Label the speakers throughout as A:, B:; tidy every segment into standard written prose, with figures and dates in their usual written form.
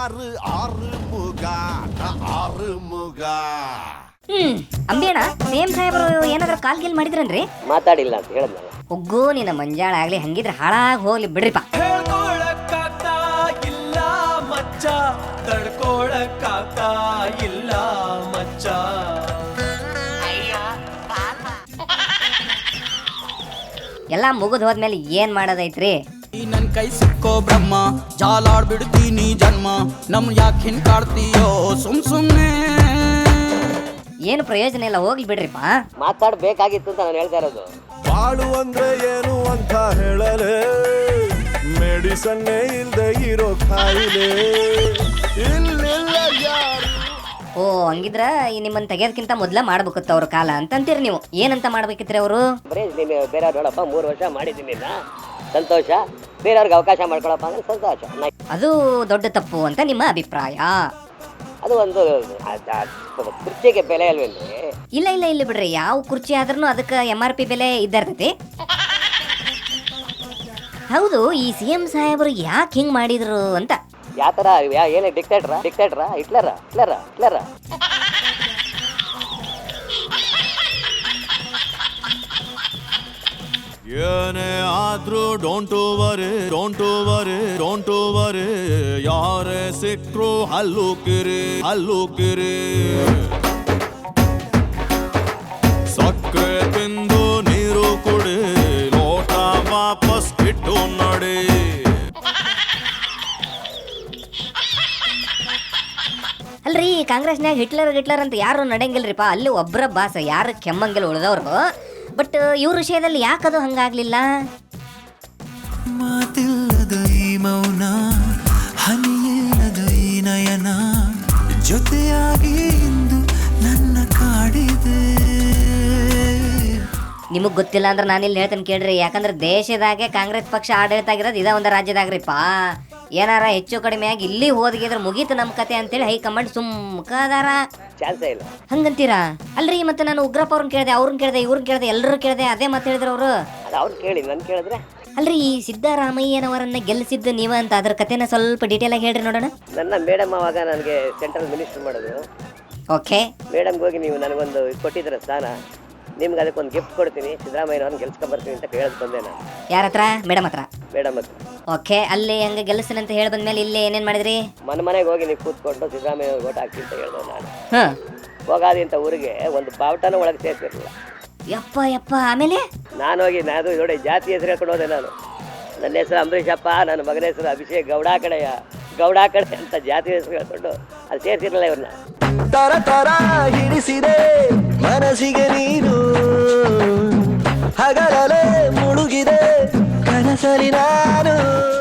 A: ಅಂಬೇಣ same ಸಾಹೇಬ್ರು ಏನಾದ್ರು ಕಾಲ್ ಗೀಲ್ ಮಾಡಿದ್ರನ್ರಿ?
B: ಮಾತಾಡಿಲ್ಲ ಅಂತ ಹೇಳಿದ್ನಲ್ಲ.
A: ಒಗ್ಗು ನಿನ್ನ ಮಂಜಾಳ ಆಗ್ಲಿ, ಹಂಗಿದ್ರೆ ಹಾಳಾಗಿ ಹೋಗ್ಲಿ ಬಿಡ್ರಿಪ್ಪ.
C: ಇಲ್ಲ ಮಚ್ಚ ತಡ್ಕೊಳಕ್ಕಾಗ್ತ ಇಲ್ಲ ಮಚ್ಚ.
A: ಎಲ್ಲ ಮುಗಿದ್ ಹೋದ್ಮೇಲೆ ಏನ್ ಮಾಡೋದೈತ್ರಿ?
D: ನನ್ ಕೈ ಸಿಕ್ಕೋ ಬ್ರಹ್ಮ, ಜಾಲಾಡ್ಬಿಡ್ತೀನಿ ಜನ್ಮ, ನಮ್ ಯಾಕೆ ಹಿಂಕಾಡ್ತೀಯೋ ಸುಮ್ನೆ.
A: ಏನು ಪ್ರಯೋಜನ ಇಲ್ಲ, ಹೋಗ್ಲಿ ಬಿಡ್ರಿಪ್ಪ.
B: ಮಾತಾಡ್ಬೇಕಾಗಿತ್ತು ಅಂತ ನಾನು ಹೇಳ್ತಾ ಇರೋದು.
E: ಬಾಳು ಅಂದ್ರೆ ಏನು ಅಂತ ಹೇಳಲೆ, ಮೆಡಿಸನ್ನೇ ಇಲ್ದೆ ಇರೋ ಕಾಯಿಲೆ ಇಲ್ಲಿಲ್ಲ ಯಾರು.
A: ಓ ಹಂಗಿದ್ರ ನಿಮ್ಮನ್ನ ತೆಗೆಯೋದಕ್ಕಿಂತ ಮೊದ್ಲ ಮಾಡ್ಬೇಕಿತ್ತು ಅವ್ರ ಕಾಲ ಅಂತಂತೀರಿ ನೀವು. ಏನಂತ ಮಾಡ್ಬೇಕಿತ್ರಿ ಅವರು?
B: ಬರೀ ನೀನು ಬೇರೆಯವ್ರು ನೋಡಪ್ಪ 3 ವರ್ಷ ಮಾಡಿದ್ದೀನಿ ಸಂತೋಷ, ಬೇರೆಯವ್ರಿಗೆ ಅವಕಾಶ ಮಾಡ್ಕೊಳಪ್ಪ ಅಂದ್ರೆ ಸಂತೋಷ.
A: ಅದು ದೊಡ್ಡ ತಪ್ಪು ಅಂತ ನಿಮ್ಮ ಅಭಿಪ್ರಾಯ?
B: ಅದು ಒಂದು ಕುರ್ಚಿಗೆ ಬೆಲೆ ಅಲ್ವೇನ್ರಿ?
A: ಇಲ್ಲ ಇಲ್ಲ ಇಲ್ಲ ಬಿಡ್ರಿ, ಯಾವ ಕುರ್ಚಿ ಆದ್ರೂ ಅದಕ್ಕೆ MRP ಬೆಲೆ ಇದ್ದರ್ತೈತಿ. ಹೌದು, ಈ CM ಸಾಹೇಬರು ಯಾಕೆ ಹಿಂಗ್ ಮಾಡಿದ್ರು ಅಂತ?
B: ಯಾತರ ಏನೇ ಡಿಕ್ಟೇಟ್ರಾ ಹಿಟ್ಲರ
E: ಏನೇ ಆದ್ರೂ ಡೋಂಟ್ ವರಿ ಯಾರೇ ಸಿಕ್ರು ಹಲ್ಲು ಕಿರಿ ಸಕ್ಕರೆ ತಿಂದು ನೀರು ಕುಡಿ, ಲೋಟ ವಾಪಸ್ ಇಟ್ಟು ನಡಿ.
A: ಅಲ್ರಿ, ಕಾಂಗ್ರೆಸ್ನಾಗ ಹಿಟ್ಲರ್ ಅಂತ ಯಾರು ನಡೆಯಂಗಿಲ್ರಿಪ್ಪ. ಅಲ್ಲಿ ಒಬ್ಬರ ಬಾಸ ಯಾರು ಕೆಮ್ಮಂಗಿಲ್ಲ ಉಳಿದವ್ರು. ಬಟ್ ಇವ್ರ ವಿಷಯದಲ್ಲಿ ಯಾಕದು ಹಂಗಾಗ್ಲಿಲ್ಲ?
D: ಮಾತಿಲ್ಲದ ಈ ಮೌನ, ಹನಿಯಿಲ್ಲದ ಈ ನಯನ, ಜೊತೆಯಾಗಿ ಇಂದು ನನ್ನ ಕಾಡಿದೆ.
A: ನಿಮಗ್ ಗೊತ್ತಿಲ್ಲ ಅಂದ್ರೆ ನಾನಿಲ್ಲಿ ಹೇಳ್ತೇನೆ ಕೇಳ್ರಿ. ಯಾಕಂದ್ರೆ ದೇಶದಾಗೆ ಕಾಂಗ್ರೆಸ್ ಪಕ್ಷ ಆಡಳಿತ ಆಗಿರೋದು ಇದ ಒಂದು ರಾಜ್ಯದಾಗ್ರಿಪ್ಪ. ಏನಾರ ಹೆಚ್ಚು ಕಡಿಮೆ ಆಗಿ ಇಲ್ಲಿ ಹೋದ್ಗಿದ್ರೆ ಮುಗೀತು ನಮ್ ಕತೆ ಅಂತೇಳಿ ಹೈಕಮಾಂಡ್ ಸುಮ್ಕದಾರ.
B: ಚಾನ್ಸೇ ಇಲ್ಲ
A: ಹಂಗಂತೀರಾ? ಅಲ್ರಿ, ಮತ್ತೆ ನಾನು ಉಗ್ರಪ್ಪ ಅವ್ರನ್ನ ಕೇಳಿದೆ, ಅವ್ರನ್ನ ಕೇಳಿದೆ, ಇವ್ರನ್ನ ಕೇಳಿದೆ, ಎಲ್ಲರೂ ಕೇಳಿದೆ, ಅದೇ ಮಾತು ಹೇಳಿದ್ರು ಅವರು.
B: ಅದು ಅವ್ರು ಕೇಳಿ ನನ್ ಕೇಳಿದ್ರೆ.
A: ಅಲ್ರಿ, ಈ ಸಿದ್ದರಾಮಯ್ಯನವರನ್ನ ಗೆಲ್ಲಿಸಿದ್ದು ನೀವ ಅಂತ ಅದ್ರ ಕತೆನ ಸ್ವಲ್ಪ ಡೀಟೇಲ್ ಆಗಿ ಹೇಳ್ರಿ ನೋಡೋಣ.
B: ನನ್ನ ಮೇಡಮ್ ಅವಾಗ ನನಗೆ ಸೆಂಟ್ರಲ್ ಮಿನಿಸ್ಟರ್ ಮಾಡೋದು.
A: ಓಕೆ,
B: ಮೇಡಮ್ಗೆ ಹೋಗಿ ನೀವು ನನಗೊಂದು ಕೊಟ್ಟಿದ್ರ ಸ್ಥಾನ, ನಿಮ್ಗೆ ಅದಕ್ಕೊಂದು ಗಿಫ್ಟ್ ಕೊಡ್ತೀನಿ, ಸಿದ್ದರಾಮಯ್ಯನವ್ರನ್ನ ಗೆಲ್ಸ್ಕೊಂಡ್ಬರ್ತೀನಿ ಅಂತ ಕೇಳೋದು ಬಂದೆ ನಾನು.
A: ಯಾರ ಹತ್ರ? ಮೇಡಮ್ ಹತ್ರ.
B: ಮೇಡಮ್ ಹತ್ರ.
A: ಓಕೆ, ಅಲ್ಲಿ ಹಂಗ ಗೆಲ್ಲಿಸ್ತೀನಿ ಅಂತ ಹೇಳಿ ಬಂದ್ಮೇಲೆ ಇಲ್ಲಿ ಏನೇನ್ ಮಾಡಿದ್ರಿ?
B: ಮನೆಗೆ ಹೋಗಿ ನೀವು ಕೂತ್ಕೊಂಡು ಸಿದ್ದರಾಮಯ್ಯ ಓಟ್ ಹಾಕಿ ಅಂತ ಹೇಳ್ದೆ ನಾನು.
A: ಹ,
B: ಹೋಗಾದಿ ಅಂತ ಊರಿಗೆ ಒಂದು ಬಾವುಟನೂ ಒಳಗೆ ಸೇರ್ಸಿರಲಿಲ್ಲ.
A: ಯಪ್ಪ ಆಮೇಲೆ
B: ನಾನು ಹೋಗಿ ನೋಡಿ ಜಾತಿ ಹೆಸರು ಹೇಳ್ಕೊಂಡು ಹೋದೆ ನಾನು. ನನ್ನ ಹೆಸರು ಅಂಬರೀಷಪ್ಪ, ನನ್ನ ಮಗನ ಹೆಸರು ಅಭಿಷೇಕ್ ಗೌಡ ಕಡೆ ಅಂತ ಜಾತಿ ಹೆಸರು ಹೇಳ್ಕೊಂಡು ಅದು ಸೇರ್ಸಿರಲಿಲ್ಲ ಇವ್ರನ್ನ.
C: ತರ ಹಿಡಿಸಿದೆ ಮನಸ್ಸಿಗೆ ನೀನು, ಹಗಲೇ ಮುಳುಗಿದೆ ಕನಸಲಿ ನಾನು.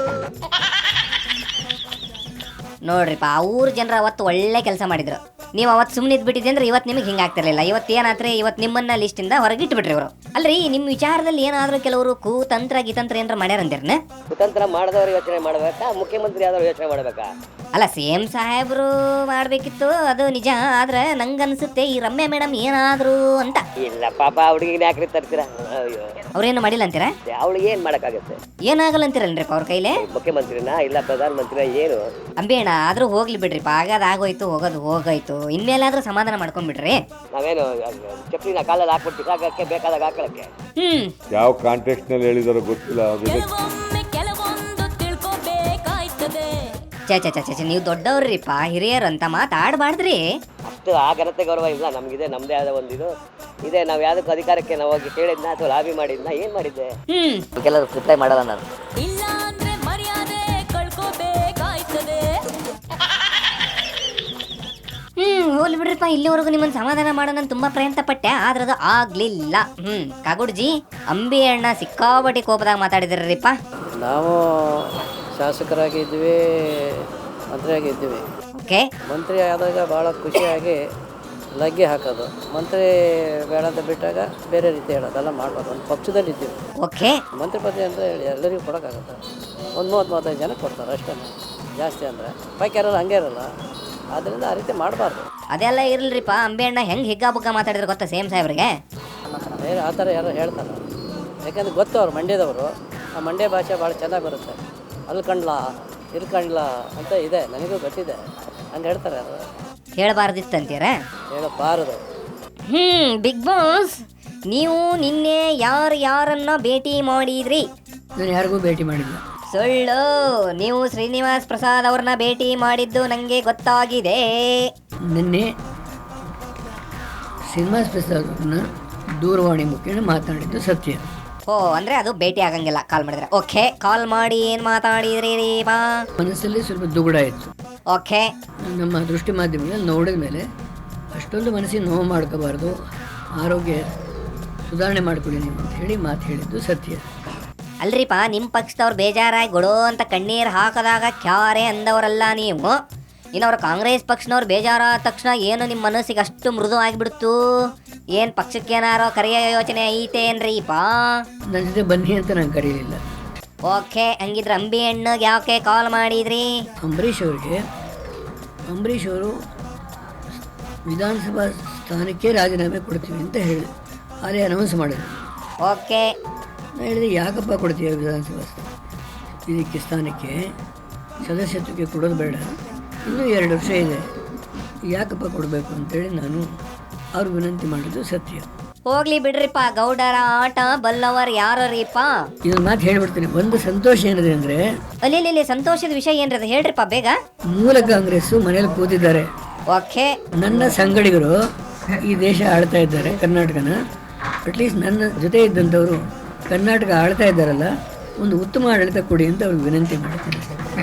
A: ನೋಡ್ರಿಪ್ಪ, ಆ ಊರ್ ಜನರ ಅವತ್ತು ಒಳ್ಳೆ ಕೆಲಸ ಮಾಡಿದ್ರು. ನೀವು ಅವತ್ತು ಸುಮ್ಮನೆ ಇದ್ಬಿಟ್ಟಿದ್ದೆ ಅಂದ್ರೆ ಇವತ್ತು ನಿಮಗೆ ಹಿಂಗಾಗ್ತಿರ್ಲಿಲ್ಲ. ಇವತ್ತು ಏನಾದ್ರೆ ಇವತ್ತು ನಿಮ್ಮನ್ನ ಲಿಸ್ಟಿಂದ ಹೊರಗಿಟ್ಬಿಟ್ರಿ ಇವರು. ಅಲ್ರಿ, ನಿಮ್ಮ ವಿಚಾರದಲ್ಲಿ ಏನಾದ್ರೂ ಕೆಲವರು ಕುತಂತ್ರ ಏನಾರ ಮಾಡ್ಯಾರಂದಿರ್ನ?
B: ಕುತಂತ್ರ ಮಾಡಿದವ್ರು ಯೋಚನೆ ಮಾಡ್ಬೇಕಾ, ಮುಖ್ಯಮಂತ್ರಿ ಆದವ್ರು ಯೋಚನೆ ಮಾಡ್ಬೇಕಾ?
A: ಅಲ್ಲ, CM ಸಾಹೇಬ್ರು ಮಾಡ್ಬೇಕಿತ್ತು, ಅದು ನಿಜ. ಆದ್ರೆ ನಂಗನ್ಸುತ್ತೆ ಈ ರಮ್ಯಾ ಮೇಡಮ್ ಏನಾದ್ರು ಅಂತ.
B: ಇಲ್ಲ ಪಾಪ, ಹುಡುಗಿನ ಯಾಕ್ರಿ ತರ್ತೀರಾ? ಅಯ್ಯೋ,
A: ಅವ್ರೇನು ಮಾಡಿಲ್ಲ ಅಂತೀರಾ?
B: ಅವಳಿಗೆ ಏನ್ ಮಾಡಕ್ಕಾಗತ್ತೆ?
A: ಏನಾಗಲ್ಲ ಅಂತೀರಲ್ರಿಪ್ಪ ಅವ್ರ ಕೈಲೇ?
B: ಮುಖ್ಯಮಂತ್ರಿನ ಇಲ್ಲ ಪ್ರಧಾನ ಮಂತ್ರಿನ ಏನು?
A: ಅಂಬೇಣ, ಆದ್ರೂ ಹೋಗ್ಲಿ ಬಿಡ್ರಿಪ್ಪ. ಆಗಾದ ಆಗೋಯ್ತು, ಹೋಗೋದು ಹೋಗಾಯ್ತು. ಇನ್ಮೇಲಾದ್ರೂ ಸಮಾಧಾನ ಮಾಡ್ಕೊಂಡ್ಬಿಡ್ರಿ.
B: ನಾವೇನು ಚಪ್ಲಿನ ಕಾಲಲ್ಲಿ ಹಾಕ್ಬಿಟ್ಟು ಬಿಸಾಕಕ್ಕೆ ಬೇಕಾದಾಗ ಹಾಕೊಳಕ್ಕೆ?
E: ಯಾವ ಕಾಂಟೆಕ್ಸ್ಟ್ ನಲ್ಲಿ ಹೇಳಿದಾರೋ ಗೊತ್ತಿಲ್ಲ.
A: ಚೆ ನೀವು ದೊಡ್ಡವ್ರಿಪ್ಪ, ಹಿರಿಯರು ಅಂತ ಮಾತಾಡ್ಬಾರ್ದ್ರಿ.
B: ಅಷ್ಟು ಆ ಘನತೆ ಗೌರವ ಇಲ್ಲ ನಮ್ಗಿದೆ. ನಮ್ದೇ ಆದ ಒಂದು ಇದು ಇದೆ. ನಾವ್ ಯಾವ್ದಕ್ಕೂ ಅಧಿಕಾರಕ್ಕೆ ನಾವು ಹೋಗಿ ಕೇಳಿದ್ನ ಅಥವಾ ಲಾಬಿ ಮಾಡಿದ್ನ, ಏನ್ ಮಾಡಿದ್ದೆ? ಕೆಲವರು ರಿಪ್ಲೈ ಮಾಡಲ್ಲ ನಾನು.
A: ಹೋಗ್ಲಿ ಬಿಡ್ರಿಪ್ಪ. ಇಲ್ಲಿವರೆಗೂ ನಿಮ್ಮನ್ನ ಸಮಾಧಾನ ಮಾಡೋಣ ತುಂಬಾ ಪ್ರಯತ್ನ ಪಟ್ಟೆ, ಆದ್ರೆ ಅದು ಆಗ್ಲಿಲ್ಲ. ಕಾಗುಡ್ಜಿ, ಅಂಬಿ ಅಣ್ಣ ಸಿಕ್ಕಾಪಟ್ಟಿ ಕೋಪದಾಗ ಮಾತಾಡಿದ್ರಿಪ್ಪ.
F: ನಾವು ಶಾಸಕರಾಗಿದ್ವಿ, ಮಂತ್ರಿಯಾಗಿದ್ವಿ.
A: ಓಕೆ,
F: ಮಂತ್ರಿ ಆದಾಗ ಭಾಳ ಖುಷಿಯಾಗಿ ಲಗ್ಗೆ ಹಾಕೋದು, ಮಂತ್ರಿ ಬೇಡ ಅಂತ ಬಿಟ್ಟಾಗ ಬೇರೆ ರೀತಿ ಹೇಳೋದೆಲ್ಲ ಮಾಡ್ಬೋದು. ಒಂದು ಪಕ್ಷದಲ್ಲಿದ್ದೀವಿ.
A: ಓಕೆ,
F: ಮಂತ್ರಿ ಪದವಿ ಅಂತ ಹೇಳಿ ಎಲ್ಲರಿಗೂ ಕೊಡೋಕ್ಕಾಗತ್ತೆ? ಒಂದು 30-35 ಜನ ಕೊಡ್ತಾರೆ ಅಷ್ಟೇ, ಜಾಸ್ತಿ ಅಂದರೆ. ಬಾಕಿ ಯಾರು ಹಂಗೆ ಇರಲ್ಲ. ಆದ್ದರಿಂದ ಆ ರೀತಿ ಮಾಡಬಾರ್ದು.
A: ಅದೆಲ್ಲ ಇರಲ್ರಿಪ್ಪ. ಅಂಬಿ ಅಣ್ಣ ಹೆಂಗೆ ಹಿಗ್ಗಾಬುಗ್ಗ ಮಾತಾಡಿದ್ರೆ ಗೊತ್ತಾ CM ಸಾಹೇಬ್ರಿಗೆ?
F: ಬೇರೆ ಆ ಥರ ಯಾರು ಹೇಳ್ತಾರೆ, ಯಾಕಂದ್ರೆ ಗೊತ್ತು ಅವ್ರು ಮಂಡ್ಯದವರು. ಆ ಮಂಡ್ಯ ಭಾಷೆ ಭಾಳ ಚೆನ್ನಾಗಿ ಬರುತ್ತೆ. ಅಲ್ಲಿ ಕಂಡ್ಲಾ ಇರ್ಕೊಂಡಿಲ್ಲ ಅಂತ ಇದೆ, ನನಗೂ ಗೊತ್ತಿದೆ. ಹಂಗೆ ಹೇಳ್ತಾರೆ ಅದು,
A: ಹೇಳಬಾರ್ದಿತ್ತಂತೀರ?
F: ಹೇಳಬಾರದು.
A: ಬಿಗ್ ಬಾಸ್, ನೀವು ನಿನ್ನೆ ಯಾರನ್ನ ಭೇಟಿ ಮಾಡಿದ್ರಿ?
G: ನಾನು ಯಾರಿಗೂ ಭೇಟಿ ಮಾಡಿಲ್ಲ.
A: ಸುಳ್ಳು, ನೀವು ಶ್ರೀನಿವಾಸ್ ಪ್ರಸಾದ್ ಅವ್ರನ್ನ ಭೇಟಿ ಮಾಡಿದ್ದು ನನಗೆ ಗೊತ್ತಾಗಿದೆ.
G: ನಿನ್ನೆ ಶ್ರೀನಿವಾಸ್ ಪ್ರಸಾದ್ ಅವ್ರನ್ನ ದೂರವಾಣಿ ಮುಖೇನ ಮಾತಾಡಿದ್ದು ಸತ್ಯ.
A: ಓ, ಅಂದ್ರೆ ಅದು ಭೇಟಿ ಆಗಂಗಿಲ್ಲ, ಕಾಲ್ ಮಾಡಿದ್ರೆ. ಓಕೆ, ಕಾಲ್ ಮಾಡಿ ಏನು ಮಾತಾಡಿದ್ರಿ ರೀ ಬಾ?
G: ಮನಸ್ಸಲ್ಲಿ ಸ್ವಲ್ಪ ದುಗುಡ ಇತ್ತು.
A: ಓಕೆ,
G: ನಮ್ಮ ದೃಷ್ಟಿ ಮಾಧ್ಯಮದಲ್ಲಿ ನೋಡಿದ ಮೇಲೆ ಅಷ್ಟೊಂದು ಮನಸ್ಸಿಗೆ ನೋವು ಮಾಡ್ಕೋಬಾರ್ದು, ಆರೋಗ್ಯ ಸುಧಾರಣೆ ಮಾಡ್ಕೊಳ್ಳಿ ನೀವು ಅಂತ ಹೇಳಿ ಮಾತು ಹೇಳಿದ್ದು ಸತ್ಯ.
A: ಅಲ್ರಿಪ್ಪ, ನಿಮ್ಮ ಪಕ್ಷದವ್ರು ಬೇಜಾರಾಗಿ ಗೊಡೋ ಅಂತ ಕಣ್ಣೀರು ಹಾಕದಾಗ ಕ್ಯಾರೆ ಅಂದವರಲ್ಲ ನೀವು. ಇನ್ನವ್ರು ಕಾಂಗ್ರೆಸ್ ಪಕ್ಷನವ್ರು ಬೇಜಾರಾದ ತಕ್ಷಣ ಏನು ನಿಮ್ಮ ಮನಸ್ಸಿಗೆ ಅಷ್ಟು ಮೃದು ಆಗಿಬಿಡ್ತು? ಏನು ಪಕ್ಷಕ್ಕೇನಾರೋ ಕರೆಯೋ ಯೋಚನೆ ಐತೇನ್ರಿಪ್ಪ?
G: ನನ್ನ ಜೊತೆ ಬನ್ನಿ ಅಂತ ನಾನು ಕರೀಲಿಲ್ಲ.
A: ಓಕೆ, ಹಂಗಿದ್ರೆ ಅಂಬಿ ಅಣ್ಣಗೆ ಯಾಕೆ ಕಾಲ್ ಮಾಡಿದ್ರಿ?
G: ಅಂಬರೀಷ್ ಅವರು ವಿಧಾನಸಭಾ ಸ್ಥಾನಕ್ಕೆ ರಾಜೀನಾಮೆ ಕೊಡ್ತೀವಿ ಅಂತ ಹೇಳಿ ಅದೇ ಅನೌನ್ಸ್ ಮಾಡಿದ್ರು.
A: ಓಕೆ,
G: ನಾನು ಹೇಳಿದೆ, ಯಾಕಪ್ಪ ಕೊಡ್ತೀಯ ವಿಧಾನಸಭಾ ಇದಕ್ಕೆ ಸ್ಥಾನಕ್ಕೆ ಸದಸ್ಯತ್ವಕ್ಕೆ ಕೊಡೋದು ಬೇಡ, ಇನ್ನೂ 2 ವರ್ಷ ಇದೆ, ಯಾಕಪ್ಪ ಕೊಡಬೇಕು ಅಂತೇಳಿ ನಾನು ಅವ್ರಿಗೆ ವಿನಂತಿ ಮಾಡಿದ್ದು ಸತ್ಯ.
A: ಹೋಗ್ಲಿ ಬಿಡ್ರಿಪ್ಪ, ಗೌಡರ ಆಟ ಬಲ್ಲವರ್ ಯಾರೀಪ?
G: ಇದೊಂದು ಮಾತು ಹೇಳ್ಬಿಡ್ತೀನಿ. ಒಂದು ಸಂತೋಷ ಏನಿದೆ ಅಂದರೆ,
A: ಅಲ್ಲಿ ಸಂತೋಷದ ವಿಷಯ ಏನ್ರಿ ಅದು ಹೇಳ್ರಿಪ್ಪ ಬೇಗ.
G: ಮೂಲ ಕಾಂಗ್ರೆಸ್ಸು ಮನೇಲಿ ಕೂತಿದ್ದಾರೆ.
A: ಓಕೆ,
G: ನನ್ನ ಸಂಗಡಿಗರು ಈ ದೇಶ ಆಳ್ತಾ ಇದ್ದಾರೆ, ಕರ್ನಾಟಕನ. ಅಟ್ಲೀಸ್ಟ್ ನನ್ನ ಜೊತೆ ಇದ್ದಂಥವರು ಕರ್ನಾಟಕ ಆಳ್ತಾ ಇದ್ದಾರಲ್ಲ, ಒಂದು ಉತ್ತಮ ಆಡಳಿತ ಕೊಡಿ ಅಂತ ಅವ್ರಿಗೆ ವಿನಂತಿ ಮಾಡ್ತೀನಿ.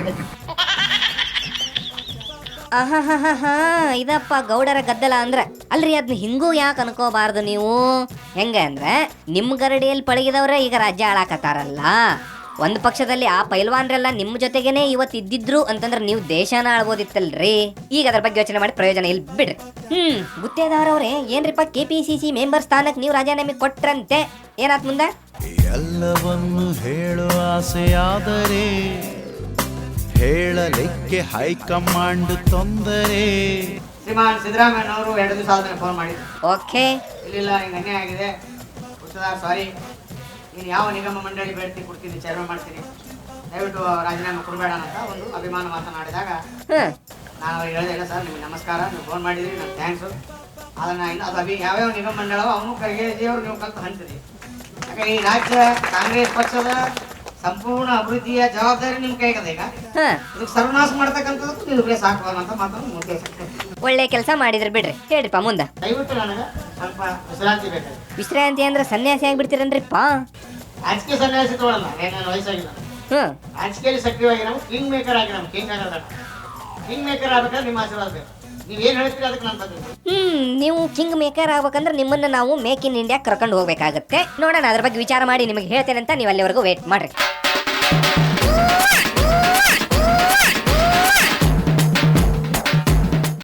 A: ಇದಪ್ಪ ಗೌಡರ ಗದ್ದಲ ಅಂದ್ರೆ. ಅಲ್ರಿ, ಅದನ್ನ ಹಿಂಗೂ ಯಾಕೆ ಅನ್ಕೋಬಾರ್ದು ನೀವು? ಹೆಂಗೆ ಅಂದ್ರೆ, ನಿಮ್ಮ ಗರಡಿಯಲ್ಲಿ ಪಳಗಿದವ್ರೆ ಈಗ ರಾಜ್ಯ ಆಳಾಕತ್ತಾರಲ್ಲ. ಒಂದು ಪಕ್ಷದಲ್ಲಿ ಆ ಪೈಲ್ವಾನ್ರೆಲ್ಲ ನಿಮ್ಮ ಜೊತೆಗೇನೆ ಇವತ್ತು ಇದ್ದಿದ್ರು ಅಂತಂದ್ರೆ ನೀವು ದೇಶನ ಆಳ್ಬೋದಿತ್ತಲ್ರಿ. ಈಗ ಅದ್ರ ಬಗ್ಗೆ ಯೋಚನೆ ಮಾಡಿ ಪ್ರಯೋಜನ ಇಲ್ಲ ಬಿಡ್ರಿ. ಗುತ್ತೇದಾರವ್ರೆ, ಏನ್ರಿಪ್ಪ KPCC ಮೆಂಬರ್ ಸ್ಥಾನಕ್ಕೆ ನೀವು ರಾಜೀನಾಮೆ ಕೊಟ್ರಂತೆ, ಏನಾತ್ ಮುಂದೆ?
C: ಎಲ್ಲವನ್ನು ಹೇಳುವ ಆಸೆಯಾದರೆ ಹೇಳಲಿಕ್ಕೆ ಹೈಕಮಾಂಡ್ ತೊಂದರೆ.
H: ಶ್ರೀಮಾನ್ ಸಿದ್ದರಾಮಯ್ಯನವರು 2 ದಿವಸ ಆದ್ಮೇಲೆ ಫೋನ್ ಮಾಡಿದ್ರು.
A: ಓಕೆ,
H: ಇಲ್ಲ ಹಿಂಗೆ ಅನ್ಯಾಯ ಆಗಿದೆ, ಸಾರಿ, ನೀನು ಯಾವ ನಿಗಮ ಮಂಡಳಿ ಬೇಡ್ತಿ ಕೊಡ್ತೀನಿ, ಚೇರ್ಮನ್ ಮಾಡ್ತೀನಿ, ದಯವಿಟ್ಟು ರಾಜೀನಾಮೆ ಕೊಡಬೇಡ ಅಂತ ಒಂದು ಅಭಿಮಾನ ಮಾತನಾಡಿದಾಗ ನಾನು ಅವ್ರಿಗೆ ಹೇಳಿದೆ, ಇಲ್ಲ ಸರ್, ನಿಮ್ಗೆ ನಮಸ್ಕಾರ, ನೀವು ಫೋನ್ ಮಾಡಿದ್ರಿ, ನಾನು ಥ್ಯಾಂಕ್ಸು. ಅದನ್ನು ಇನ್ನು ಅದು ಯಾವ್ಯಾವ ನಿಗಮ ಮಂಡಳವ ಅವನು ಕೈಗೆಜಿಯವರು ನೀವು ಕಲ್ತು ಹಂಚ್ತೀರಿ. ಯಾಕೆ ಈ ರಾಜ್ಯ ಕಾಂಗ್ರೆಸ್ ಪಕ್ಷದ ಸಂಪೂರ್ಣ ಅಭಿವೃದ್ಧಿಯ ಜವಾಬ್ದಾರಿ ನಿಮ್ಮ ಕೈಗದೆ. ಈಗ ಇದಕ್ಕೆ ಸರ್ವನಾಶ ಮಾಡ್ತಕ್ಕಂಥದ್ದಕ್ಕೂ ನೀವು ಪ್ಲೇಸ್ ಹಾಕುವಂತ ಮಾತನ್ನು ಉದ್ದೇಶ.
A: ಒಳ್ಳೆ ಕೆಲಸ ಮಾಡಿದ್ರಿ ಬಿಡ್ರಿ. ಹೇಳ್ರಿಪ್ಪ ಮುಂದೆ.
H: ದಯವಿಟ್ಟು ನನಗೆ ಸ್ವಲ್ಪ ವಿಶ್ರಾಂತಿ ಬೇಕಾಗಿದೆ.
A: ವಿಶ್ರಾಂತಿ ಅಂದ್ರೆ ಸನ್ಯಾಸಿ ಆಗ್ಬಿಡ್ತೀರನ್ರಿಪ್ಪ?
H: ರಾಜಕೀಯ ಸನ್ಯಾಸಿ ತಗೊಳ್ಳಲ್ಲ, ಏನೇನು ವಯಸ್ಸಾಗಿಲ್ಲ. ರಾಜಕೀಯದಲ್ಲಿ ಸಕ್ರಿಯವಾಗಿ ನಾವು ಕಿಂಗ್ ಮೇಕರ್ ಆಗಿ, ನಾವು ಕಿಂಗ್ ಆಗೋದ ಕಿಂಗ್ ಮೇಕರ್ ಆಗ್ಬೇಕಾದ್ರೆ ನಿಮ್ಮ ಆಶೀರ್ವಾದ ಬೇಕು. ನೀವೇನು ಹೇಳ್ತೀರಿ ಅದಕ್ಕೆ ನಾನು ತಂದಿದ್ದೀನಿ.
A: ನೀವು ಕಿಂಗ್ ಮೇಕರ್ ಆಗ್ಬೇಕಂದ್ರೆ ನಿಮ್ಮನ್ನ ನಾವು ಮೇಕ್ ಇನ್ ಇಂಡಿಯಾ ಕರ್ಕೊಂಡು ಹೋಗ್ಬೇಕಾಗತ್ತೆ. ನೋಡೋಣ, ಅದ್ರ ಬಗ್ಗೆ ವಿಚಾರ ಮಾಡಿ ನಿಮಗೆ ಹೇಳ್ತೇನೆ ಅಂತ ನೀವು ಅಲ್ಲಿವರೆಗೂ ವೇಟ್ ಮಾಡ್ರಿ.